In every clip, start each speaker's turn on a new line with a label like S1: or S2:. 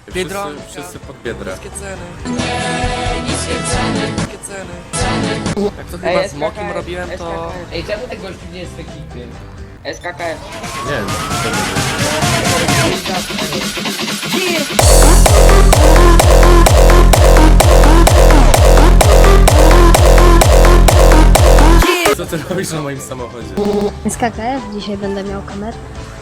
S1: Biedronka.
S2: Wszyscy pod Biedrę.
S1: Niskie ceny. Niskie ceny. Niskie ceny. Jak to chyba z Mokim robiłem, to...
S3: Ej, czemu ten gościu nie jest w ekipie?
S4: SKKF.
S2: Nie wiem, co to jest. Co ty robisz na moim samochodzie?
S5: SKKF, dzisiaj będę miał kamerę.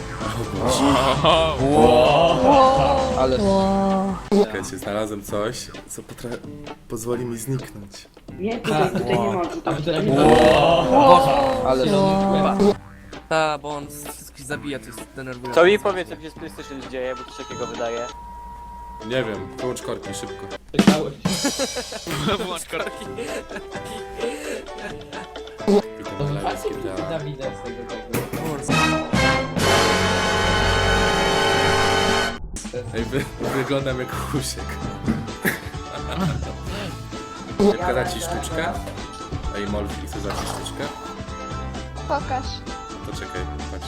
S4: Ale
S2: Czekajcie, znalazłem coś, co pozwoli mi zniknąć.
S4: nie, tutaj nie ma. Tutaj. Ale
S1: Ta, bo on wszystkich zabija, to jest denerwujące.
S6: Co mi powie, co się z PlayStation dzieje, bo coś takiego wydaje.
S2: Nie wiem, wyłącz korki szybko.
S1: Włącz korki.
S2: Tylko na lewo skierdala.
S3: Dawida z tego tego.
S2: Ej, wyglądam jak Husiek. Jak da ci sztuczkę? Ej, Molfi, chcesz dać ci sztuczkę?
S5: Pokaż.
S2: To czekaj, patrz.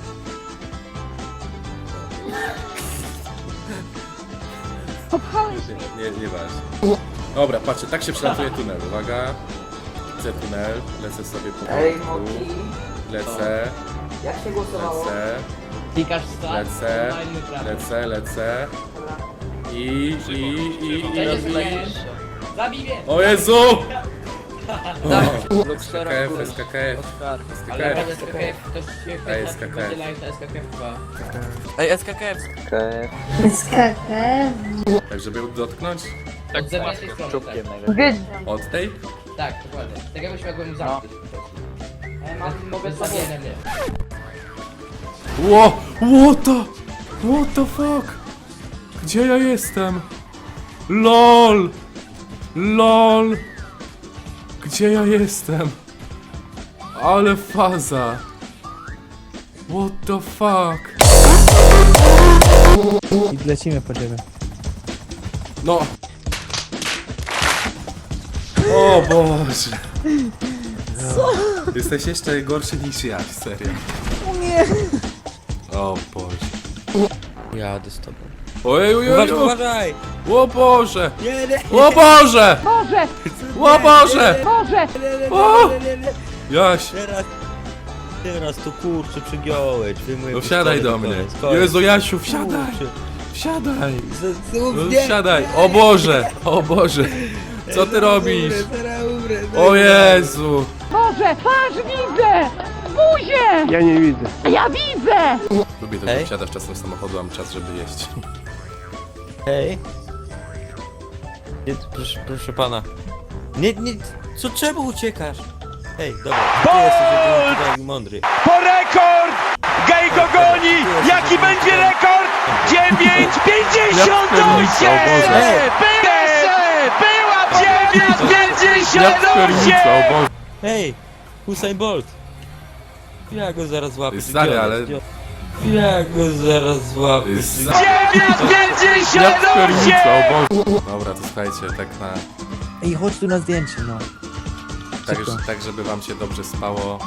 S5: Popchałeś
S2: Nie ważne. Dobra, patrzcie, tak się przelatuje tunel. Uwaga. Widzę tunel, lecę sobie po
S4: Ej,
S2: boku.
S4: Moki.
S2: Lecę,
S4: Jak się głosowało?
S2: lecę,
S3: Klikasz start,
S2: lecę,
S3: normalny prawy.
S2: lecę. I
S3: Jedziesz,
S2: robi...
S3: jedziesz. Zabij mnie!
S2: O Jezu!
S1: Luxera
S2: SKKF,
S1: w górę.
S2: SKKF,
S1: Oskar.
S3: Ale
S2: SKKF.
S3: będzie SKKF, ktoś się
S2: Ej,
S3: chce
S2: SKKF.
S3: będzie live na SKKF 2.
S1: Ej, SKKF.
S5: SKKF.
S2: Tak, żeby ją dotknąć?
S3: Od zewnętrznej tej strony,
S6: Czubkiem
S3: tak.
S6: najlepiej.
S2: Od tej?
S3: Tak, dokładnie. Tak jakbyś mogłem mu zamknąć po prostu.
S4: Mogę
S3: Zabiję na mnie.
S2: What the fuck? Gdzie ja jestem? LOL! LOL! Gdzie ja jestem? Ale faza! What the fuck?
S7: I lecimy po ciebie.
S2: No! O Boże! Co? Jesteś jeszcze gorszy niż ja, serio. Nie! O Boże.
S1: Jadę z tobą.
S2: Ojej,
S7: Uważaj!
S2: O Boże!
S7: Nie, nie!
S2: O Boże! O Boże! O! Jaś!
S7: Teraz to kurczę przygiąłeś.
S2: No wsiadaj do mnie. Jezu, Jasiu, wsiadaj! Wsiadaj! No wsiadaj! O Boże! O Boże! Co ty robisz? O Jezu!
S8: Boże, patrz, widzę! Buzię!
S7: Ja nie widzę.
S8: Ja widzę!
S2: Lubię to, że wsiadasz czasem z samochodu, mam czas, żeby jeść.
S7: Hej. Nie, proszę pana. Nie, czemu uciekasz? Hej, dobra, ty jesteś jedyny tutaj mądry.
S9: Po rekord! Gej go goni! Jaki będzie rekord? 9,58! Była 9,58!
S7: Hej, Usain Bolt. Ja go zaraz złapię.
S2: Stary, ale...
S7: Ja go zaraz złapię.
S9: 9,58!
S2: Dobra, to słuchajcie, tak na...
S7: Ej, chodź tu na zdjęcie, no.
S2: Tak, żeby wam się dobrze spało.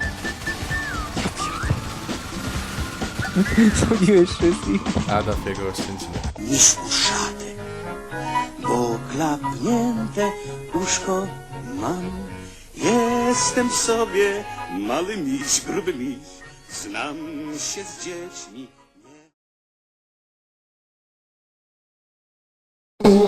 S7: Zabiłeś wszystkich.
S2: Ada w jego oszczędziny.
S10: Niż uszany, bo klapnięte uszko mam. Jestem sobie mały miś, gruby miś, znam się z dziećmi.